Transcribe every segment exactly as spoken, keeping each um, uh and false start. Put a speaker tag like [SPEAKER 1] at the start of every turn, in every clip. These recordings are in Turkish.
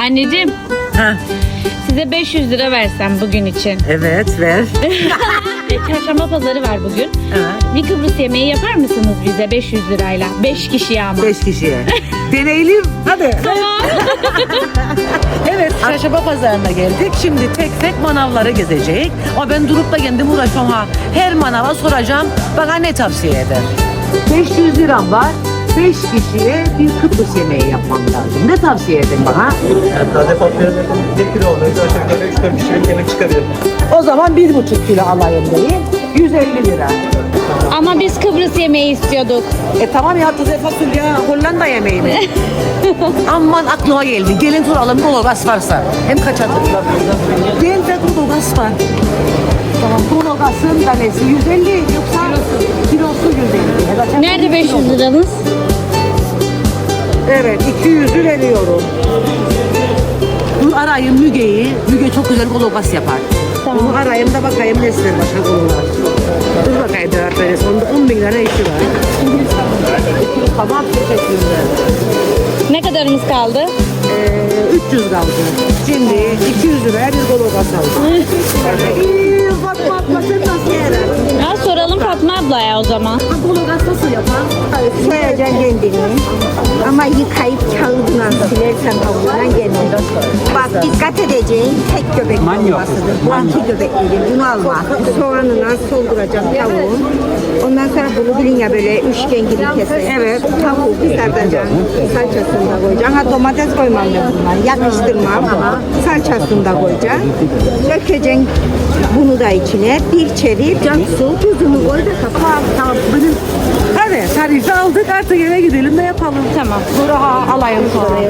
[SPEAKER 1] Anneciğim,
[SPEAKER 2] Ha,
[SPEAKER 1] size beş yüz lira versem bugün için.
[SPEAKER 2] evet ver.
[SPEAKER 1] E, Çarşamba pazarı var bugün.
[SPEAKER 2] Evet.
[SPEAKER 1] Bir Kıbrıs yemeği yapar mısınız bize beş yüz lirayla? beş kişiye ama.
[SPEAKER 2] Beş kişiye. Deneyelim. Hadi.
[SPEAKER 1] Tamam.
[SPEAKER 2] Evet, çarşamba pazarına geldik. Şimdi tek tek manavları gezecek. Ama ben durup da kendim uğraşıyorum ha. Her manava soracağım. Bana ne tavsiye eder? beş yüz liram var. beş kişiye bir Kıbrıs yemeği yapmam lazım. Ne tavsiye edin bana?
[SPEAKER 3] Yani taze patlıcan bir kilo olmayı aşağı yukarı üç dört kişilik yemek çıkarıyor.
[SPEAKER 2] O zaman bir buçuk kilo alayım diyeyim. yüz elli lira.
[SPEAKER 1] Ama biz Kıbrıs yemeği istiyorduk.
[SPEAKER 2] E tamam ya, taze fasulye Hollanda yemeği mi? Aman aklıma geldi. Gelin soralım kologas varsa. Hem kaç adım? Gelin de kologas var. Tamam, kologasın tanesi yüz elli yoksa kilosu yüz elli. Zaten
[SPEAKER 1] Nerede beş yüz liranız?
[SPEAKER 2] Evet, iki yüzü veriyorum. Dur arayayım Müge'yi. Müge çok güzel kologas yapar.
[SPEAKER 1] Tamam.
[SPEAKER 2] Onu arayayım da bakayım ne ister başka kologas. Dur bakayım cevap verirsin. Onda on bin lira işi var. Tamam, teşekkürler.
[SPEAKER 1] Ne kadarımız kaldı?
[SPEAKER 2] Ee, üç yüz kaldı. Şimdi iki yüz liraya bir kologas aldım. İyi, Fatma abla sen nasıl yerer?
[SPEAKER 1] Ya soralım Fatma ablaya o zaman.
[SPEAKER 2] Kologas nasıl yapar?
[SPEAKER 4] Soyacaksın kendini. Ama yıkayıp kağıdına silersen tavuğundan kendini. Bak dikkat edeceğin tek göbek olmasıdır. Bu iki göbekleri bunu alma. Soğanına solduracaksın tavuğun. Ondan sonra bunu bilin ya böyle üçgen gibi keser. Evet. Tavuğu kızartacaksın. Salçasını da koyacaksın. Ha domates koymam ben bundan. Yakıştırmam. Salçasını da koyacaksın. Dökeceksin bunu da içine. Bir çevir. Su, tuzunu koy da kapat.
[SPEAKER 2] Tamam, benim... Hadi tarifi aldık, artık eve gidelim de yapalım.
[SPEAKER 1] Tamam.
[SPEAKER 2] Sonra ha, alayım sonra.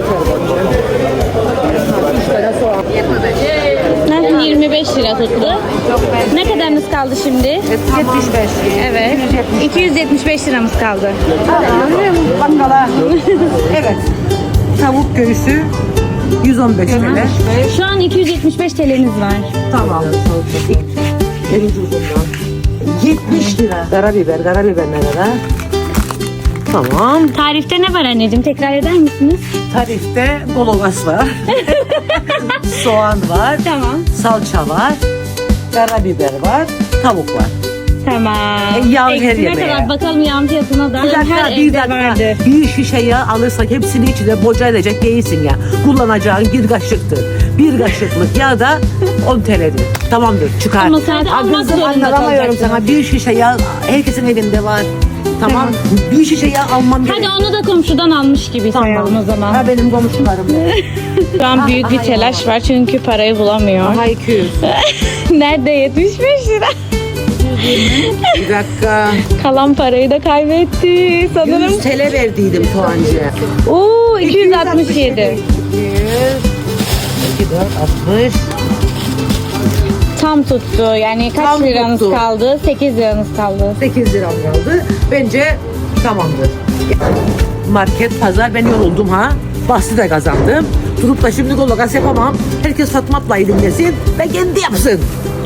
[SPEAKER 2] üç tane soğan.
[SPEAKER 1] Ne? yirmi beş lira tuttu. Ne kadarınız kaldı şimdi?
[SPEAKER 2] yetmiş beş.
[SPEAKER 1] Evet. iki yüz yetmiş beş liramız kaldı.
[SPEAKER 2] Bakkala. Evet. Tavuk göğsü yüz on beş T L.
[SPEAKER 1] Şu an iki yüz yetmiş beş T L'niz var.
[SPEAKER 2] Tamam. En ucuzundan. yetmiş lira. Karabiber, karabiber ne kadar? Tamam.
[SPEAKER 1] Tarifte ne var anneciğim? Tekrar eder misiniz?
[SPEAKER 2] Tarifte kologas var. Soğan var.
[SPEAKER 1] Tamam.
[SPEAKER 2] Salça var. Karabiber var. Tavuk var.
[SPEAKER 1] Tamam.
[SPEAKER 2] E, yağ her
[SPEAKER 1] Eksine
[SPEAKER 2] yemeğe.
[SPEAKER 1] kadar bakalım yağın fiyatına da.
[SPEAKER 2] Bir dakika,
[SPEAKER 1] Her
[SPEAKER 2] bir
[SPEAKER 1] evde
[SPEAKER 2] dakika.
[SPEAKER 1] vardır.
[SPEAKER 2] Bir şişe yağ alırsak hepsini içine boca edecek değilsin ya. Kullanacağın bir kaşıktır. Bir kaşıklık yağ da on T L'dir. Tamamdır, çıkar.
[SPEAKER 1] Ama sen de
[SPEAKER 2] Aa,
[SPEAKER 1] almak
[SPEAKER 2] kızım,
[SPEAKER 1] zorunda
[SPEAKER 2] anlatamıyorum
[SPEAKER 1] kalacaksın.
[SPEAKER 2] sana. Bir şişe yağ herkesin evinde var. Tamam. Bir şişe yağ almam gerek.
[SPEAKER 1] Hadi onu da komşudan almış gibi sayalım o zaman.
[SPEAKER 2] Ha, benim komşularım.
[SPEAKER 1] Şu an büyük bir telaş var çünkü parayı bulamıyor.
[SPEAKER 2] Aha iki yüz.
[SPEAKER 1] Nerede yetmiş beş lira?
[SPEAKER 2] Bir dakika.
[SPEAKER 1] Kalan parayı da kaybetti sanırım.
[SPEAKER 2] yüz T L verdiydim Soğancı'ya.
[SPEAKER 1] Oo iki yüz altmış yedi.
[SPEAKER 2] iki yüz. iki, dört, altmış.
[SPEAKER 1] Tam tuttu. Yani kaç
[SPEAKER 2] Tam
[SPEAKER 1] liranız
[SPEAKER 2] tuttu.
[SPEAKER 1] kaldı? sekiz liranız kaldı.
[SPEAKER 2] sekiz liram kaldı. Bence tamamdır. Market, pazar, ben yoruldum ha. Bahsi de kazandım. Durup da şimdi kologas yapamam. Herkes Fatma ablayı dinlesin ve kendi yapsın.